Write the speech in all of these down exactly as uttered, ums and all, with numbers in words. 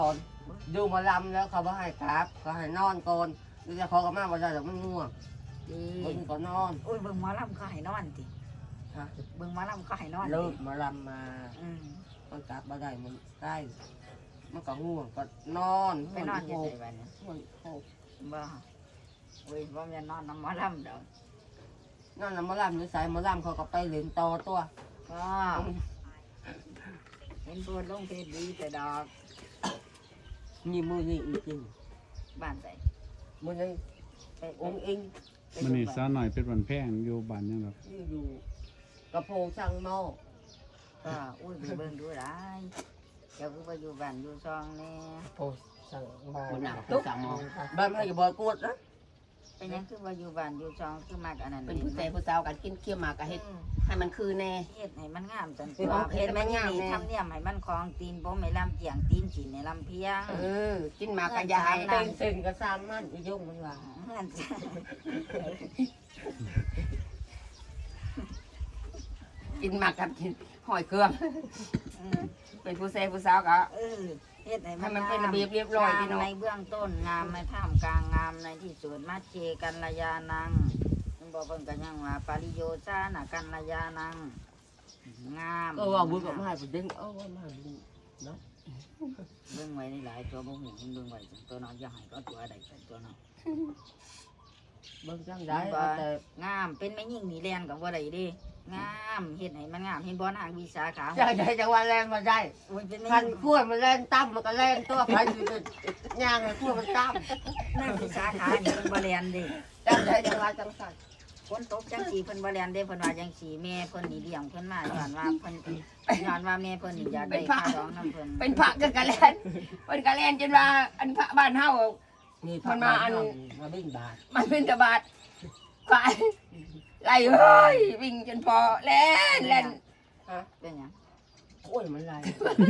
ตอนดูมาลำแล้วเขาบ่ให้กราบเขาให้นอนก่อนดูจะขอกับมาบ่ได้หรอกมันง่วงดีเบิ่งก็นอนโอ้ยเบิ่งหมอลำเขาให้นอนติฮะเบิ่งหมอลำเขาให้นอนเลิกติมาลำมาอืมมันกราบบ่ได้มันใกล้มันก็ง่วงก็นอนไปนอนอยู่ไสบัดนี้ง่วงโอ้บ่โอ้ยบ่แม่นนอนนำหมอลำดอกนั่นน่ะมาลำอยู่ไสมาลำเขาก็ไปเล่นต่อตัวก็เห็นโพดลงเพจดีแต่ดอกนี่มือนี่อีกจริงบ้านใส่มือนี่ไปองค์เองมันนี่สาวหน่อยเป็นวันแพงอยู่บ้านยังแบบนี่อยู่กระโพงช่างหม้อก็อุ้ยไปเบิ่งดูได้เจ้าคือบ่อยู่บ้านอยู่ซองแน่โพช่างบ้านคนหนักตุ๊กสั่งมองบ้านไม่อยู่บ่อยกวดนะเป็นหยังคือบ่อยู่บ้านอยู่ซองคือมักอันนั้นเป็นผู้ชายผู้สาวกันกินเคี่ยวหมากกะเฮ็ดอืมให้มันคือแน่เฮ็ดให้มันงามจังตัวเฮ็ดมันงามทำเนียมให้มันคล้องตีนบ่ให้ลำเจียงตีนสินให้ลำเพียงเออกินหมากกะยายเป็นเส้นกระซามมันอียุ่งมันว่าเฮือนจ้ะกินหมากกับกินหอยเครื่องอืมเป็นผู้ชายผู้สาวกะเออเฮ็ดให้ให้มันมันเป็นระเบียบเรียบร้อยพี่น้องงามในเบื้องต้นงามในท่ามกลางงามในที่สุดมัชเชกันระยานังมันบอกเพิ่นก็ยังว่าปริโยชานะกันระยานังงามก็ว่าบุญกับมาให้เด้งเอ้าว่ามาบุญเนาะเบิ่งไว้ในหลายตัวบ่ฮู้มันเบิ่งไว้จังตัวน้อยอย่าให้ก็ตัวใดกันตัวน้อยเบิ่งจังได้ว่าแต่งามเป็นแม่ยิ่งนี่แลนก็บ่ได้เด้งามเฮ็ดให้มันงามเห็นบ่นางวิสาขาจังได้จังว่าแรงมาได้โอ้ยเป็นแม่พันยิ่งขั้วมันแรงตั้มมันก็แรงตัวพันอยู่เป็นย่างให้ขั้วมันตั้มนางวิสาขานี่เพิ่นบ่แลนเด้จังได้จังว่าจังสั่นฝนตกจังสีเพิ่นบ่แลนเด้เพิ่นว่าจังสีแม่เพิ่นนี่เลี้ยงเพิ่นมาย้อนว่าเพิ่นย้อนว่าแม่เพิ่นนี่อยากได้ค่าดองนํเพิ่นเป็นพระกันกะแลนเป็นกะแลนจนว่าอันพระบ้านเฮานี่มันมาอันมาบิ่งบาทมันเป็นตะบาดควายไล่เฮ้ยวิ่งจนพอแล่นแล่นเป็นหยังกล้วยมันไร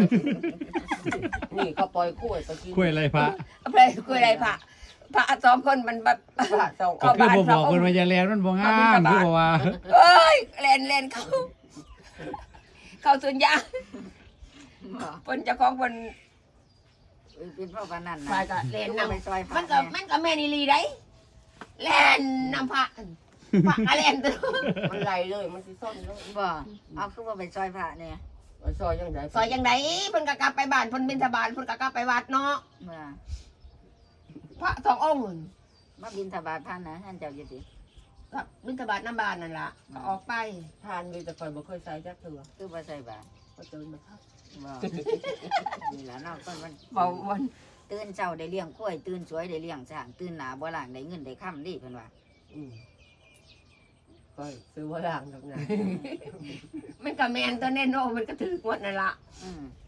นี่เขาปล่อยกล้วยไปกินคุยอะไรพระเอาไปคุยอะไรพระพระสองคนมันแบบพระสองก็คือบ่บอกคนว่าอย่าแลนมันบ่งามคือบ่ว่าเอ้ยแล่นแล่นเขาเข้าสวนยางบ่เพิ่นเจ้าของเพิ่นเอ้ยเป็นเพราะว่านั่นควาน่ะยก็เล่นลูกนำไปซอยพระมันก็แมันก็แม่นอีหลีได้เล่นนำพระพระก็เล่นตัวมันไรเลยมันสิซ่อนเลยบ่เอาคือว่าไปซอยพระเนี่ยมันซอยยังไงซอยจังไดเพิ่นก็กลับไปบ้านเพิ่นบิณฑบาตเพิ่นก็กลับไปวัดเนาะเมื่อพระสององค์นั่นมาบิณฑบาตท่านนะท่านเจ้าอยู่ติกับบิณฑบาตน้ำบ้านนั่นล่ะก็ออกไปทานมีแต่คอยบ่เคยใส่จักเถื่อคือบ่ใส่บาตรก็เติมมาครับบ่นี่ล่ะเนาะคนมันเบาวันตื่นเช้าได้เลี้ยงกล้วยตื่นสวยได้เลี้ยงช้างตื่นหน้าบ่ล้างได้เงินได้ค่ำดิเพิ่นว่าอืมก็ซื้อว่าล่างทำไงมันก็แม่นตัวแน่นอนมันก็ถือกวดนั่นล่ะอืม